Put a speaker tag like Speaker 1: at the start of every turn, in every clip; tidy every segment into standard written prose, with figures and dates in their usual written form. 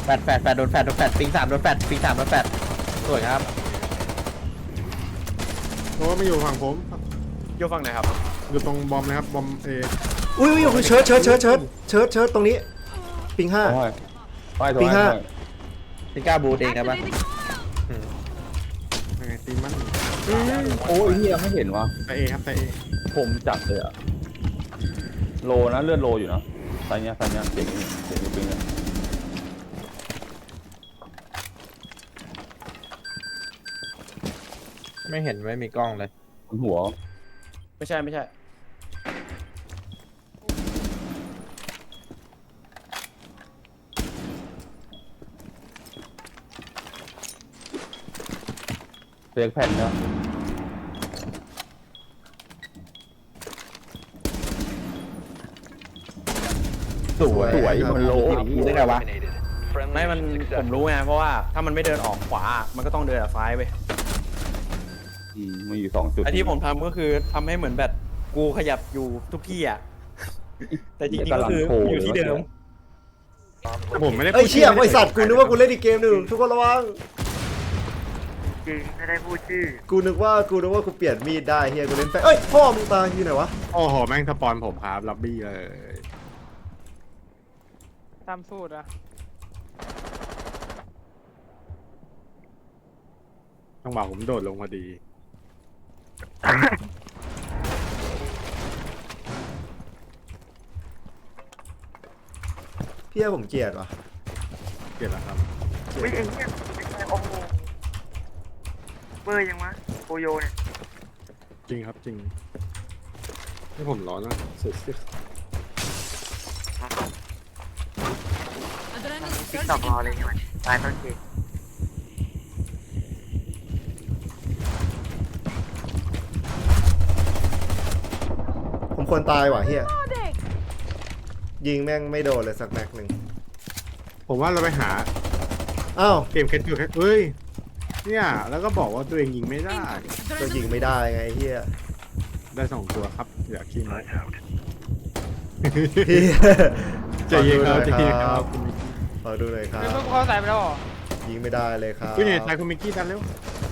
Speaker 1: แฟดโดนแฟดปิง3โดนแฟดสวยครับ
Speaker 2: เพราะว่าไม่อยู่ฝั่งผม
Speaker 3: อยู่ฝั่งไหนครับ
Speaker 2: อยู่ตรงบอมนะครับบอม
Speaker 4: อุ้ยเชิดตรงนี้ปิง5ปิง5
Speaker 1: ปิงก้าบูดเองครับปะ
Speaker 2: ยังไงตีมัน
Speaker 5: โอ้ยนี่ยังไม่เห็นวะ
Speaker 2: แต่เอครับแต่เอ
Speaker 5: ผมจัดเลยอะโลนะเลื่อนโลอยู่นะไซเนี้ยเจ๋งอยู่ปิงเนี่ย
Speaker 1: ไม่เห็นไม่มีกล้องเลย
Speaker 5: บนหัว
Speaker 3: ไม่ใช่
Speaker 5: เซ็กแผ่นนะ
Speaker 1: สวยมันโลได้ไงวะ
Speaker 3: ไม่มันผมรู้ไงเพราะว่าถ้ามันไม่เดินออกขวามันก็ต้องเดินซ้ายไป
Speaker 5: มันอยู่2 จุด
Speaker 3: ไอที่ผมทำก็คือทำให้เหมือนแบบกูขยับอยู่ทุกที่อ่ะแต่จริงๆก็คืออยู่ที่เดิม
Speaker 2: ผมไม่ได้
Speaker 4: เอ้ยเชี่ยไอสัตว์กูนึกว่ากูเล่นอีกเกมหนึ่งทุกคนระวัง
Speaker 6: จริงไม่ได้พูดชื่อ
Speaker 4: กูนึกว่ากูเปลี่ยนมีดได้เฮียกูเล่นไปเอ้ยพ่อมึงตายอยู่ไหนวะ
Speaker 2: โอ้โหแม่งสปอนผมครับล็อบบี้เลย
Speaker 6: ตามสูตรอะ
Speaker 2: จังหวะผมโดดลงพอดี
Speaker 4: พี่ผมเกลียดวะ
Speaker 2: เกิดแล้วครับ
Speaker 6: วิ่งเองเนี่ยโอ้โหเบอร์ยังวะโอโยเนี่ย
Speaker 2: จริงครับจริงนี่ผมร้อนนะสุด
Speaker 6: ติ๊กตอกรอเลยใช่ไหมตายต้นเกม
Speaker 4: ผมควรตายว่ะเฮียยิงแม่งไม่โดนเลยสักแม็กหนึ่ง
Speaker 2: ผมว่าเราไปหา
Speaker 4: อ้าว
Speaker 2: เกมแคทอยู่แคทเฮ้ยเนี่ยแล้วก็บอกว่าตัวเองยิงไม่ได้
Speaker 4: ก็ยิงไม่ได้ไงเฮีย
Speaker 2: ได้2 ตัวครับอยากขี้มัน
Speaker 4: พี่
Speaker 2: ใจเย็นครับใจเย็นครับ
Speaker 4: ขอดูหน่อยครับ
Speaker 6: ไม่เพิ่งเขาใส่ไปแล้วหรอ
Speaker 4: ยิงไม่ได้เลยครับ
Speaker 2: คุณเนี่ยทายคุณมิกกี้ดันเร็ว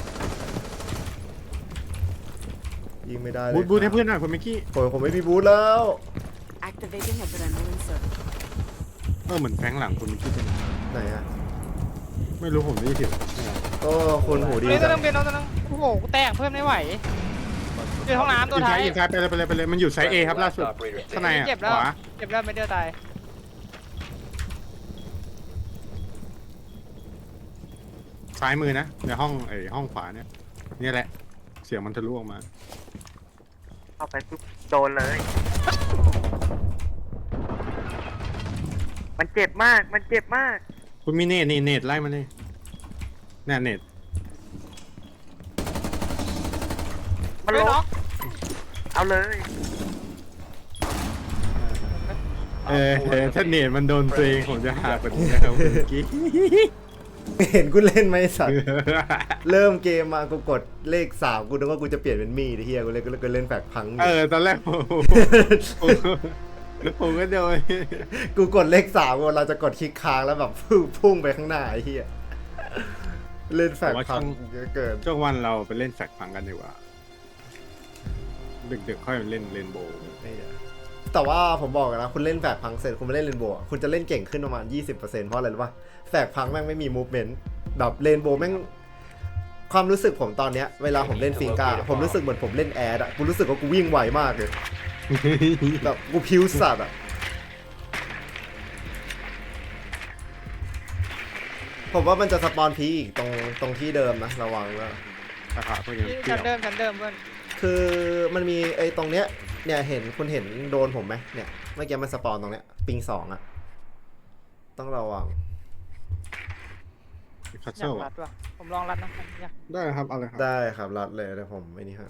Speaker 4: ยิงไม่ได้เลย
Speaker 2: บูทให้เพื่อนหน่อยคุณมิกกี้
Speaker 4: ผมไม่มีบูทแล้ว
Speaker 7: Activating adrenaline circuit.
Speaker 2: เหมือนแฟงหลังคุณมิกกี้เป็น
Speaker 4: ไหนอะ
Speaker 2: ไม่รู้ผมได้ยินเสียง
Speaker 4: ก็คนหูดี
Speaker 6: เฮ้ยตัว
Speaker 4: จั
Speaker 6: นึ
Speaker 4: ง
Speaker 6: งเป็นตัวนึงโอ้โหกูแตกเพิ่มไม่ไหวอยู่ห้องน้ำตัวท้าย
Speaker 2: ยิงซ้ายไปเลยมันอยู่ไซส์ A ครับล่าสุดข้างในอ่ะ
Speaker 6: เจ็บแล้ว
Speaker 2: ขวา
Speaker 6: เจ็บแล้วไม่เดือดตาย
Speaker 2: ซ้ายมือนะในห้องห้องขวาเนี่ยนี่แหละเสียงมันทะลุออกมา
Speaker 6: เข้าไปปุ๊บโดนเลย มันเจ็บมาก
Speaker 2: คุณมีเนตไล่มาเลยเนี่ยเนต
Speaker 6: มันลงเอาเลย
Speaker 2: ถ้าเนตมันโดนตัวเองผมจะหากว่านี้นะครับคุณมิกกี้
Speaker 4: เห็นกูเล่นไหมสัตว์ เริ่มเกมมากูกดเลข3กูนึกว่ากูจะเปลี่ยนเป็นมีดไอ้เฮียกูเล่นแฝกพังอยู่
Speaker 2: ตอนแรกผมก็โดน
Speaker 4: กูกดเลข3กูเราจะกดคลิกค้างแล้วแบบพุ่งไปข้างหน้าไอ้เฮียเล่นแฝกพังเยอะเกิน
Speaker 2: ช่วงวันเราไปเล่นแฟกฟังกันดีกว่าดึกๆค่อยเล่นเรนโบว์
Speaker 4: แต่ว่าผมบอกกันนะคุณเล่นแฝกพังเสร็จคุณมาเล่นเรนโบว์คุณจะเล่นเก่งขึ้นประมาณ 20%เพราะอะไรรู้ป่ะแฝกพังแม่งไม่มีมูฟเมนต์แบบเรนโบว์แม่งความรู้สึกผมตอนเนี้ยเวลาผมเล่นฟิงกาผมรู้สึกเหมือนผมเล่นแอดอะกูรู้สึกว่ากูวิ่งไวมากเลยแบบกูพิวสัตว์อะผมว่ามันจะสปอนพีอีกตรงที่เดิมนะระวังนะ
Speaker 2: นะครับเพื่อน
Speaker 6: ชั้นเดิมเพื่อน
Speaker 4: คือมันมีไอ้ตรงเนี้ยเนี่ยคุณเห็นโดนผมไหมเนี่ยเมื่อกี้มันสปอนตรงเนี้ยปิง2อะต้องระวัง
Speaker 2: คัส
Speaker 6: อ
Speaker 2: เซิ
Speaker 6: ยา
Speaker 2: ล
Speaker 6: กรัดว่ะผมลองรัดนะ
Speaker 2: ได้ครับเอาเลยครับ
Speaker 4: ได้ครับรัดเลยเดี๋ยวผมไอ้นี่ฮะ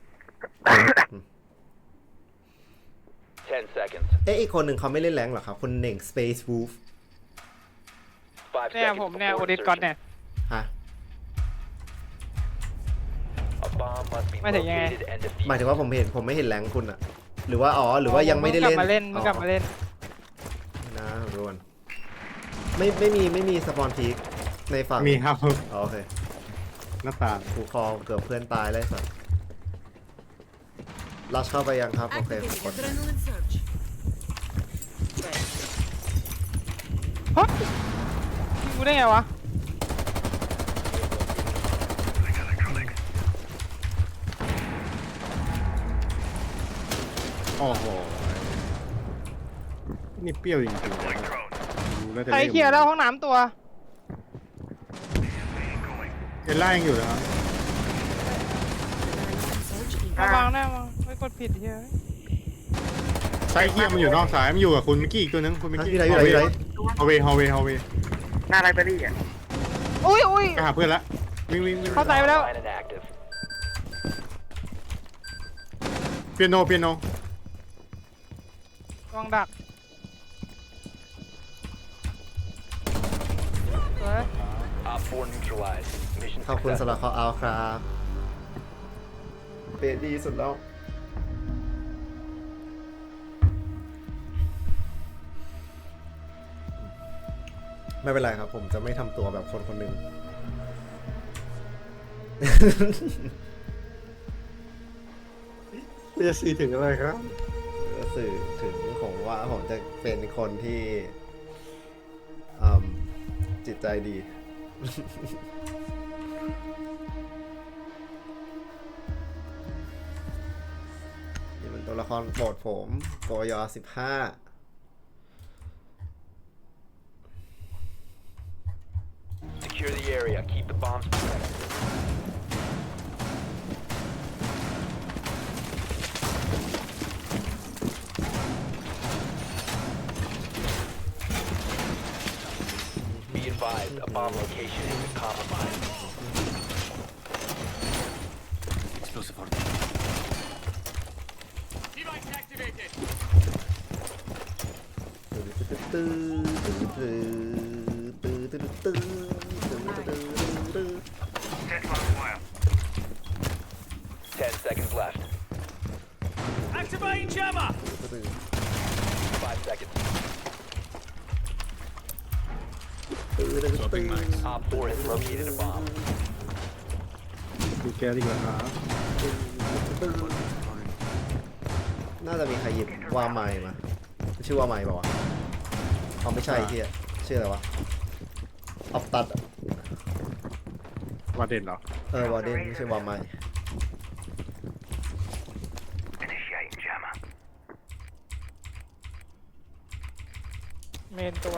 Speaker 8: 10 seconds.
Speaker 4: อีกคนหนึ่งเขาไม่เล่นแรงหรอครับคุณเน่ง Space Wolf
Speaker 8: 5
Speaker 6: เนี่ย
Speaker 8: seconds
Speaker 6: ผมเนี่ย
Speaker 8: before
Speaker 6: โอดิสก่อน
Speaker 8: insertion.
Speaker 6: เนี่ย
Speaker 4: ฮะ
Speaker 8: A bomb must be
Speaker 6: ไม่ถึงยังไง
Speaker 8: located and
Speaker 4: หมายถึง
Speaker 8: defused.
Speaker 4: ว่าผมไม่เห็นแรงคุณอะหรือว่าหรือว่ายังไม่ได้เล่น
Speaker 6: มึงกลับมาเล่น
Speaker 4: นะทุกคนไม่มีสปอนพีคในฝั่ง
Speaker 2: มีครับ
Speaker 4: อ๋อโอเค
Speaker 2: หน้าต่าง
Speaker 4: กูคอเกือบเพื่อนตายเลยสัสลัชเข้าไปยังครับ โอเค
Speaker 7: Activating
Speaker 4: กด
Speaker 7: adrenaline surge. Right.
Speaker 9: เฮ้ยยิงกูได้ไงวะ
Speaker 2: โอ้โหนี่เปรี้ยวจริงๆเลยดูแล้วจะ
Speaker 9: ใครเคลียร์แล้วห้องน้ำตัว
Speaker 2: เอลล่ายังอยู่นะครับ
Speaker 7: Adrenaline surge
Speaker 9: ระวังนะมั้งไม่กดผิดเฮีย
Speaker 2: ไซเคียมันอยู่นอกสายมันอยู่กับคุณมิกกี้อีกตัวนึงคุณมิก
Speaker 4: ฮะ
Speaker 2: กี้
Speaker 4: อยู่ไหนอยู่ไหนอยู่ไหน
Speaker 2: ฮอลเวย์ฮอลเวย์ฮอลเวย์
Speaker 6: หน้าไลบรารีอ่ะ
Speaker 9: อุ้ยอุ้ย
Speaker 2: ไปหาเพื่อนละวิ่งวิ่งวิ่ง
Speaker 9: เข้าใจไปแล้ว
Speaker 8: Line and active.
Speaker 2: เปียโนเปียโน
Speaker 9: วางดักสวย
Speaker 8: Op 4 neutralized. Mission
Speaker 4: ขอบคุณ
Speaker 8: successful.
Speaker 4: สำหรับคอเอาครับเปดีสุดแล้ว ไม่เป็นไรครับ ผมจะไม่ทำตัวแบบคนคนหนึ่ง
Speaker 2: จะสื่อถึงอะไรครับ
Speaker 4: ก็สื่อถึงผมว่าผมจะเป็นคนที่จิตใจดี นี่มันตัวละครโปรดผมโกยอ15
Speaker 8: Secure the area. Keep the bombs protected. Be advised, a bomb location is compromised. Explosive order. Device activated. 10 seconds left. Activating jammer. 5 seconds. Op 4 has located a bomb.
Speaker 2: ดูแกดีกว่าครับ
Speaker 4: น่าจะมีใครหยิบว่าไม้มา ชื่อว่าไม้ป่าวะอ๋อไม่ใช่ที่ชื่ออะไรวะออฟตัด
Speaker 2: วาเด่นเหรอ
Speaker 4: วอร์เดนไม่ใช่ว่าไม้
Speaker 9: เมนตัว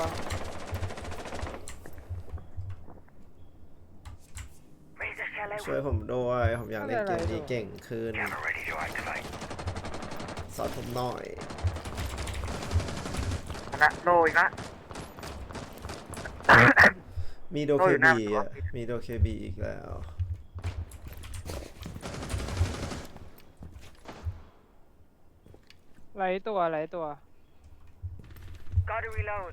Speaker 4: ช่วยผมด้วยผมอยากเล่นเกมนี้เก่งขึ้นสอนผมหน่อย
Speaker 6: นะโลอีกละ
Speaker 4: มีโด
Speaker 6: โอ้
Speaker 4: เค
Speaker 6: ยน่า
Speaker 4: บี
Speaker 6: กลัว
Speaker 4: อ่ะมีโดเคบีอีกแล้ว
Speaker 9: ไหลตัวไหลตัว
Speaker 6: Gotta reload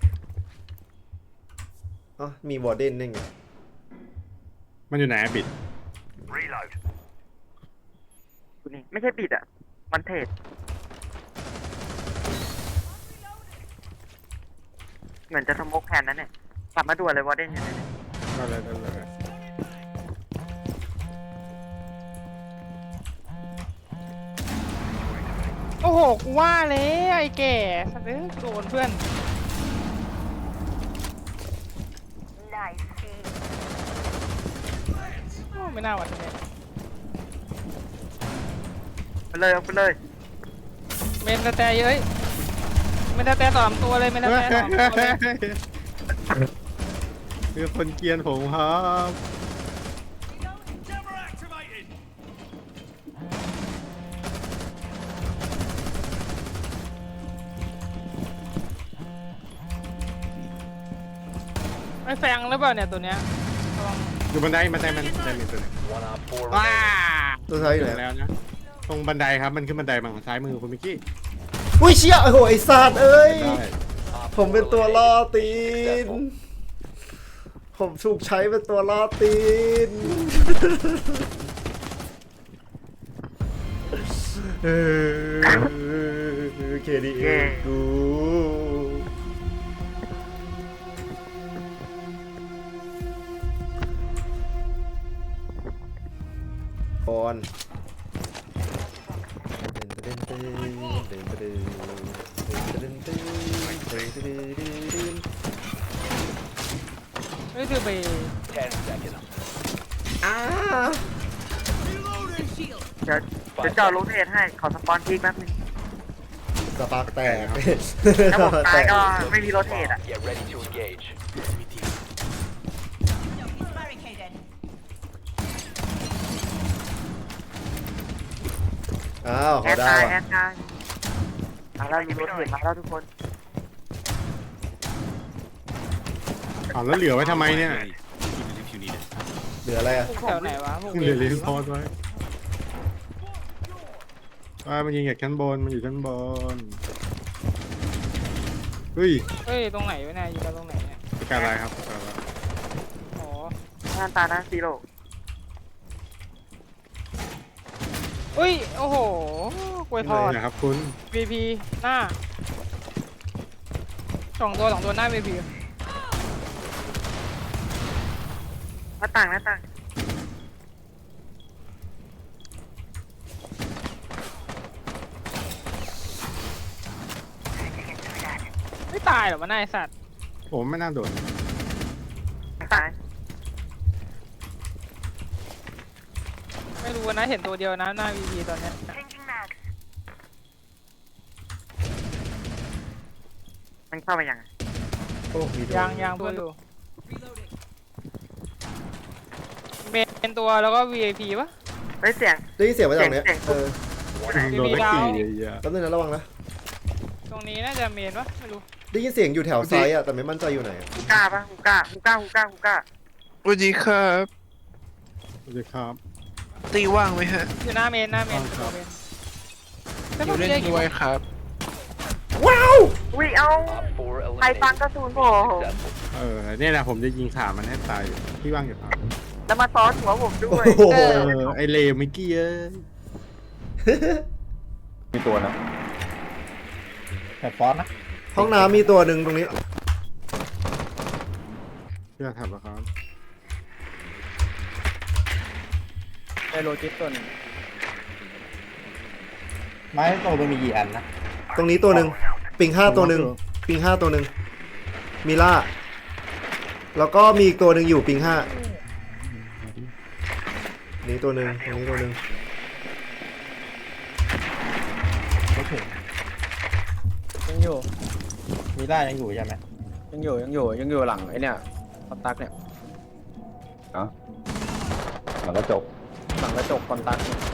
Speaker 4: อ๋อมีวอร์เดนนี่ไง
Speaker 2: มันอยู่ไหนอะบิด
Speaker 6: กูนี่ไม่ใช่ปิดอ่ะ มันเทรดเหมือนจะสโมกแพนนั่นเนี่ยกลับมาด่วนเลยวอร์เดนอยู่ไหนเนี่ย
Speaker 2: ได้เลยได้เลย
Speaker 9: โอ้โห กูว่าแล้วไอ้แก่สัตว์เอ้ยโดนเพื่อน โอ้ไม่น่าหวัดเลย
Speaker 6: ไปเลยเอาไปเลย
Speaker 9: เมนแต่เยอะเมนแต่3 ตัวเลยเมนแต่2 ตัวเลย
Speaker 2: คือคนเกรียนผมครับ
Speaker 9: ไม่แฟงหรือเปล่าเนี่ยตัวเนี้ยระวัง
Speaker 2: อยู่บันไดมันมีตัวหนึง
Speaker 8: One op 4
Speaker 2: ว้า
Speaker 8: remaining.
Speaker 4: ตัวท้ายอยู่
Speaker 2: ถึ
Speaker 4: ไหน
Speaker 2: งแล้วนะตรงบันไดครับมันขึ้นบันไดมาทางซ้ายมือคุณมิกกี้
Speaker 4: อุ้ยเชี่ยโอ้โหไอ้สัตว์เอ้ย
Speaker 2: ได้
Speaker 8: Op
Speaker 4: ผมเป็น
Speaker 8: 4
Speaker 4: ตัวล่อ
Speaker 8: eliminated.
Speaker 4: ตีน
Speaker 8: Successful.
Speaker 4: ผมถูกใช้เป็นตัวล่อตีน KDA กูบอล
Speaker 9: เฮ้ยคือไป
Speaker 8: 10 seconds.
Speaker 4: อ้า
Speaker 6: เดี๋ยวเจาะโรเทตให้ขอสปอนพีกแป๊บนึง
Speaker 4: สปาร์กแตก
Speaker 6: ถ้าผมตายก็ไม่มีโรเทตอ่ะ
Speaker 8: Get ready to engage.
Speaker 4: อ้าว
Speaker 6: แอ
Speaker 4: เขา
Speaker 6: ด
Speaker 4: ได้
Speaker 6: ตาย
Speaker 4: ว่ะ
Speaker 6: แอดตายมาแล้วมีโรเทตมาแล้วทุกคน
Speaker 2: เอาแล้วเหลือไว้ทำไมเนี่ย
Speaker 4: เหลืออะไรอ่ะ
Speaker 9: แถวไหนวะพวก
Speaker 2: เหลือรีสอร์ทไว้มันยิงจากชั้นบนมันอยู่ชั้นบนเฮ้ย
Speaker 9: เฮ้ยตรงไหนวะเนี่ยยิงกันตรงไหนเนี่ย
Speaker 2: ประการอะไรครับประการอะไร
Speaker 9: อ๋อ
Speaker 6: หน้าตาหน้าซีโร่
Speaker 9: เฮ้ยโอ้โหกล้วยทอด
Speaker 2: นะครับคุณ
Speaker 9: VP หน้าสองตัวหน้า VP
Speaker 6: หน้าต่าง
Speaker 9: ไม่ตายหรอวะนายสัตว์
Speaker 2: ผมไม่น่าโดด
Speaker 6: ตาย
Speaker 9: ไม่รู้นะเห็นตัวเดียวนะหน้า VP ตอนเนี้ย
Speaker 6: มันเข้าไปยังไง
Speaker 4: โอ้มีตัว
Speaker 9: ยางเพื่อนดูเมนตัวแล้วก็ VIP ปะ
Speaker 6: เฮ้ยเสียง
Speaker 4: ได้ยินเสียงมาจากเนี้ย
Speaker 6: เสียง
Speaker 4: เออ
Speaker 2: โดดได้กี่เยอะ
Speaker 4: แป๊บนึงนะระวังนะ
Speaker 9: ตรงนี้น่าจะเมนปะไม่รู้
Speaker 4: ได้ยินเสียงอยู่แถวซ้ายอ่ะแต่ไม่มั่นใจอยู่ไหนอะ
Speaker 6: ฮูก้าปะฮูก้า
Speaker 10: สวัสดีครับ
Speaker 2: สวัสดีครับ
Speaker 10: ตีว่างไหมฮะ
Speaker 9: อยู่หน้าเมนตัวเมน
Speaker 10: อยู่เล่นด้วยครับ
Speaker 6: อุ้ยเอา
Speaker 8: Op 4
Speaker 6: ใครฟัง
Speaker 8: eliminated.
Speaker 6: กระสุนผม
Speaker 8: Successful.
Speaker 2: เนี่ยนะผมจะยิงขามันให้ตายอยู่พี่ว่างอยู่ครับ
Speaker 6: แล้วมาซ้อนหัวผมด้วย
Speaker 4: โอ้โห
Speaker 2: ไอเลวมิกกี้เอ้ย
Speaker 5: มีตัวนะ
Speaker 1: แพลตฟอร์มนะ
Speaker 4: ห้องน้ำมีตัวหนึ่งตรงนี้
Speaker 2: เพื่อทำนะครับ
Speaker 3: ได้โลจิสตัวหนึง
Speaker 1: ไม้โตมันมีกี่อันนะ
Speaker 4: ตรงนี้ตัวหนึ่งปิง5ตัวหนึ่งปิง5ตัวหนึ่งมีล่าแล้วก็มีอีกตัวหนึ่งอยู่ปิง5นี่ตัวหนึ่งตรงนี้ตัวหนึ่ง
Speaker 1: ไม่ถึง
Speaker 3: ยังอยู่
Speaker 1: มีล่ายังอยู่ใช่ไหม
Speaker 3: ยังอยู่หลังไอ้เนี่ยคอนตักเนี่ย
Speaker 5: เนาะหลังกระจก
Speaker 3: หลังกระจกคอนตักเนี่ย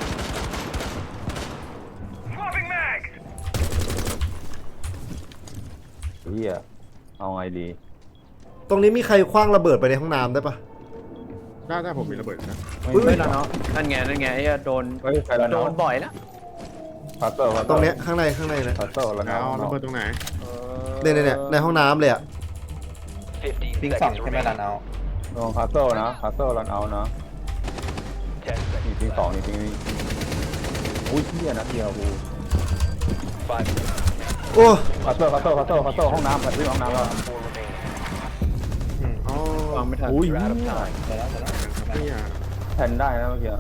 Speaker 5: เฮียเอาไงดี
Speaker 4: ตรงนี้มีใครคว้างระเบิดไปในห้องน้ำได้ปะ
Speaker 2: ได้ผมมีระเบิดนะ
Speaker 4: อุ๊ย
Speaker 3: ไม่แล้วเนาะนั่นไงไอ้โดน
Speaker 5: เฮ้ยใครละ
Speaker 3: โด
Speaker 5: เนาะ
Speaker 3: นบ่อยแล้ว
Speaker 5: พัตเตอร์
Speaker 4: ตรงเนี้ยข้างในนะ
Speaker 5: พัตเตอร์ละเนาะ
Speaker 2: เอาระเบิดตรงไหน
Speaker 4: เนี่ยในห้องน้ำเลยอ่ะ
Speaker 8: 15
Speaker 1: ปิงสอง
Speaker 8: seconds
Speaker 1: ใช่ไหมล่ะ
Speaker 8: remaining.
Speaker 1: เนาะ
Speaker 5: ลองพัตเตอร์นะพัตเตอร์รันเอานะ
Speaker 8: 10 seconds
Speaker 5: นี่ปิง
Speaker 8: left.
Speaker 5: สองนี่ปิงนี่อุ้ยเฮียนะเฮียกู
Speaker 8: 5 seconds.
Speaker 4: โอ้
Speaker 5: พัตเตอร์ห้องน้ำพัตเตอร์ห้องน้ำแล้ว
Speaker 8: Op 4 remaining.
Speaker 2: อ๋อ
Speaker 3: วางไม่ทัน
Speaker 5: อุ้ย
Speaker 8: You're out of
Speaker 5: เหี้ย
Speaker 8: time.
Speaker 1: เดี๋ยวแล้ว
Speaker 2: เนี่ย
Speaker 5: แทนได้นะเมื่อกี้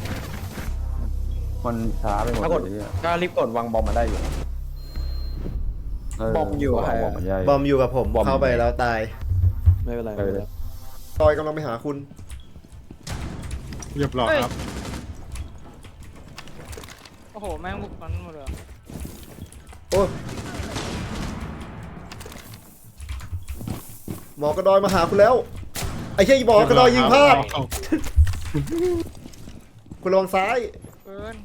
Speaker 5: มันช้าไปหมด
Speaker 3: ถ้ากด
Speaker 5: เลยเนี่ย
Speaker 3: ก็รีบกดวางบอมมาได้อยู่ บอมอยู่อะ
Speaker 5: บอมมันใหญ่
Speaker 4: บอมอยู่กับผม
Speaker 5: บอม
Speaker 4: เข้าไปแล้วตาย
Speaker 3: ไม่เป็นไร
Speaker 5: เออ
Speaker 4: ตอยกำลังไปหาคุณ
Speaker 2: เรียบร้อยครับ
Speaker 9: โอ้โหแม่งบุกมันหมดเลย
Speaker 4: โอ้ยหมอกระดอยมาหาคุณแล้ว ไอ้เหี้ยหมอกระดอยยิงพลาด
Speaker 2: เอา
Speaker 4: คุณระวังซ้าย
Speaker 9: เกิน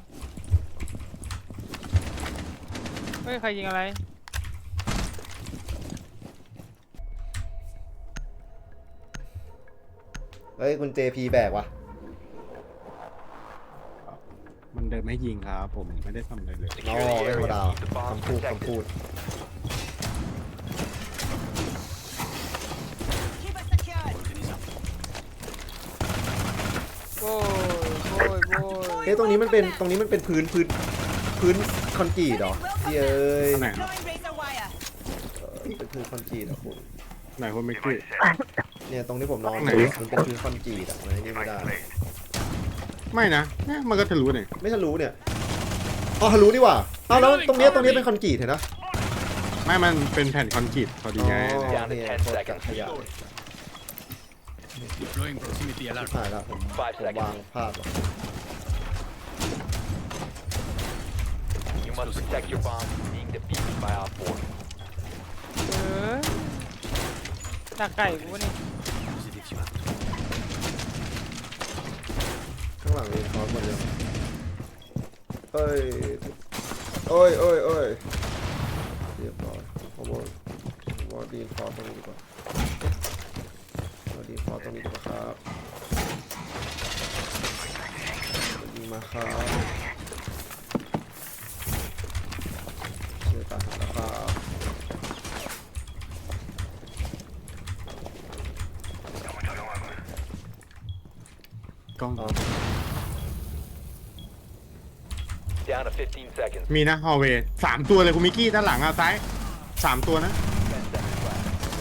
Speaker 9: เฮ้ยใครยิงอะไร
Speaker 4: เฮ้ยคุณ JP แบกว่ะ
Speaker 2: มันเดินไม่ให้ยิงครับผมไม่ได้ทำอะไรเลย
Speaker 4: น้อไม่ธรรมดาคำพูด
Speaker 9: โอ้ย
Speaker 4: เฮ้ยตรงนี้มันเป็นพื้นคอนกรีตเหรอเย้ย
Speaker 2: ไหนครับ
Speaker 4: เป็นพื้นคอนกรีตเหรอคุณ
Speaker 2: ไหนคุณมิกกี้
Speaker 4: เนี่ยตรงที่ผมนอน
Speaker 2: ไหน
Speaker 4: มันเป็นพื้นคอนกรีตอ่ะมันนี่ไม่ได้
Speaker 2: ไม่นะมันก็ทะลุเนี่ย
Speaker 4: ไม่ทะลุเนี่ยอ๋อทะลุดีกว่าอ้าวแล้วตรงเนี้ยเป็นคอนกรีตเห็นนะ
Speaker 2: ไม่มันเป็นแผ่นคอนกรีตพอดีไง
Speaker 8: Down to 10 seconds.
Speaker 4: ขยะถ่ายละผม
Speaker 8: 5 seconds.
Speaker 4: วางพลาดว่ะ
Speaker 8: You must protect your bomb from being defused by Op 4.
Speaker 9: ดักไก่กูนี่
Speaker 4: ข้างหลังมีคอร์สหมดเลยเอ้ยเอ้ยเรียบร้อยผมว่าดีนคอร์สตรงนี้ดีกว่าดีนคอร์สตรงนี้ดีกว่าครับดีมาครับเชื่อตาแล้วครับ
Speaker 2: กล้อง
Speaker 8: Down to 15 seconds.
Speaker 2: มีนะฮอลเวย์3ตัวเลยคุณมิกกี้ด้านหลังอ่ะซ้าย3ตัวนะ
Speaker 8: 10 seconds left.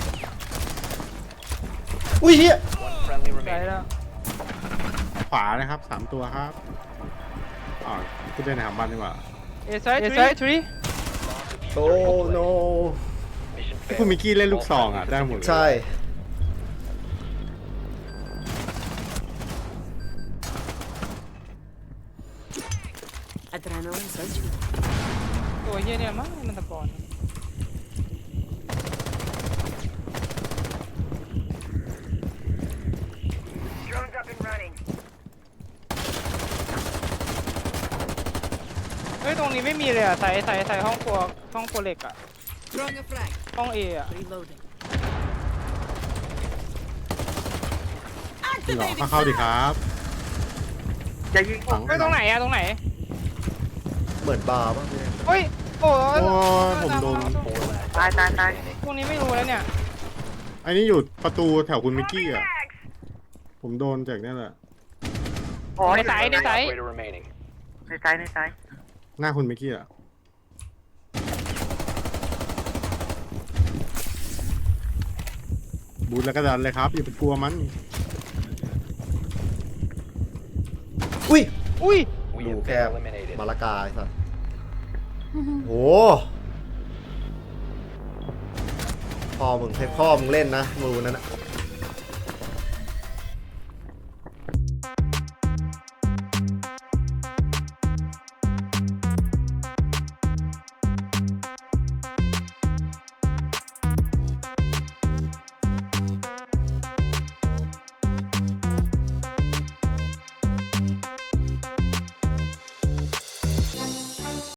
Speaker 4: อุ้ยเฮีย
Speaker 8: One friendly
Speaker 9: ไก่
Speaker 8: remaining.
Speaker 9: แล้ว
Speaker 2: ขวานะครับ3ตัวครับอ๋อพูดได้นะครับบ้านดีกว่า
Speaker 9: เอไซทรี
Speaker 4: โอ้โน
Speaker 8: Mission
Speaker 2: ที่คุณ
Speaker 8: failed.
Speaker 2: มิกกี้เล่นลูกซองอ่ะได้หมดเลย
Speaker 4: ใช่
Speaker 7: Adrenaline surge.
Speaker 9: ตัวเฮียเนี่ยมั้งมันตะกอน เฮ้ยตรงนี้ไม่มีเลยอ่ะใส่ห้องครัวเหล็กอ่ะ
Speaker 7: Throwing a frag.
Speaker 9: ห้องเออ่ะ
Speaker 7: Reloading.
Speaker 2: หรอเข้าดิครับ
Speaker 6: อย่ายิงผม
Speaker 9: เฮ้ยตรงไหนอ่ะตรงไหน
Speaker 4: เหมือนบาร์ป่ะพี่
Speaker 9: เฮ้ยโอ้
Speaker 2: โอ้ยผมโดน
Speaker 8: 4 last
Speaker 6: ตาย
Speaker 9: ตรงนี้ไม่รู้แล้วเนี่ย
Speaker 2: อันนี้อยู่ประตูแถวคุณมิกกี้อ่ะผมโดนจากนี่แหละ
Speaker 6: อ๋อ
Speaker 9: ในสาย
Speaker 8: operator remaining.
Speaker 6: ในซ้าย
Speaker 2: หน้าคุณมิกกี้อ่ะบูทแล้วก็ดันเลยครับอย่าไปกลัวมัน
Speaker 4: อุ้ย
Speaker 9: อุ้ย
Speaker 8: We
Speaker 4: ดู
Speaker 8: have
Speaker 4: แค่
Speaker 8: been eliminated.
Speaker 4: มาละกาไอ้สัสโหพ่อมึงให้พ่อมึงเล่นนะมือนั้นอะ